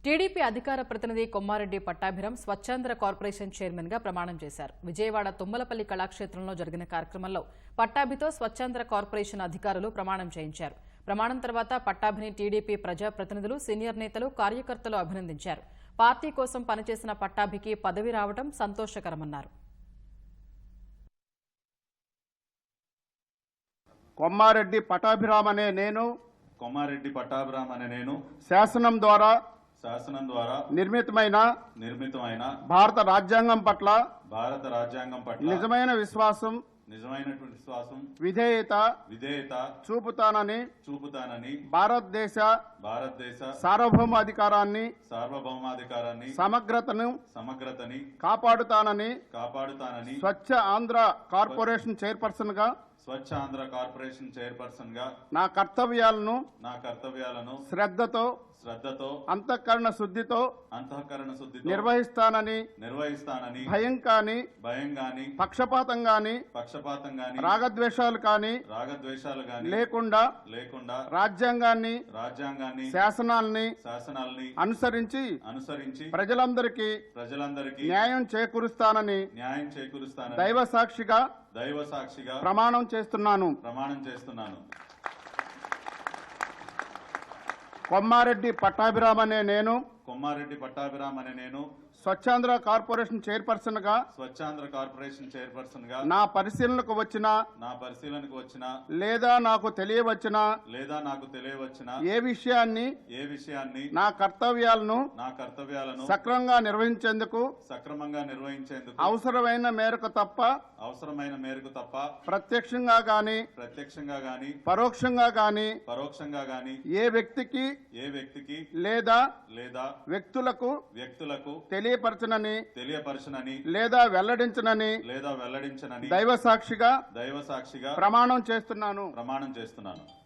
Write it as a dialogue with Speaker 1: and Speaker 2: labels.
Speaker 1: TDP అధికార ప్రతినిధి Kommareddy Pattabhiram Swachhandhra corporation chairman గా ప్రమాణం చేశారు. విజయవాడ తుమ్మలపల్లి కళాక్షేత్రంలో జరిగిన కార్యక్రమంలో పట్టాభితో స్వచ్ఛాంధ్ర కార్పొరేషన్ అధికారులు ప్రమాణం చేయించారు. ప్రమాణం తర్వాత పట్టాభిని టీడీపీ ప్రజా ప్రతినిధులు, సీనియర్ నేతలు, కార్యకర్తలు అభినందించారు. పార్టీ కోసం పనిచేసిన పట్టాభికి పదవి రావడం సంతోషకరమన్నారు.
Speaker 2: కొమ్మారెడ్డి పట్టాభిరామ్ అనే నేను శాసనం ద్వారా నిర్మితమైన భారత రాజ్యాంగం పట్ల నిజమైనటువంటి విశ్వాసం విధేయత చూపుతానని భారతదేశ సార్వభౌమాధికారాన్ని సమగ్రతని కాపాడుతానని స్వచ్ఛ ఆంధ్ర కార్పొరేషన్ చైర్పర్సన్ గా నా కర్తవ్యాలను శ్రద్ధతో అంతఃకరణ శుద్ధితో నిర్వహిస్తానని భయం కాని పక్షపాతం గాని రాగద్వేషాలు కాని లేకుండా రాజ్యాంగాన్ని శాసనాల్ని అనుసరించి ప్రజలందరికీ న్యాయం చేకూరుస్తానని దైవ సాక్షిగా ప్రమాణం చేస్తున్నాను. కొమ్మారెడ్డి పట్టాభిరామ్ అనే నేను స్వచ్ఛాంధ్ర కార్పొరేషన్ చైర్పర్సన్ గా నా పరిశీలనకు వచ్చిన లేదా నాకు తెలియవచ్చిన ఏ విషయాన్ని నా కర్తవ్యాలను సక్రమంగా నిర్వహించేందుకు అవసరమైన మేరకు తప్ప ప్రత్యక్షంగా గాని పరోక్షంగా గాని ఏ వ్యక్తికి లేదా వ్యక్తులకు తెలియపరచనని లేదా వెల్లడించనని దైవ సాక్షిగా ప్రమాణం చేస్తున్నాను.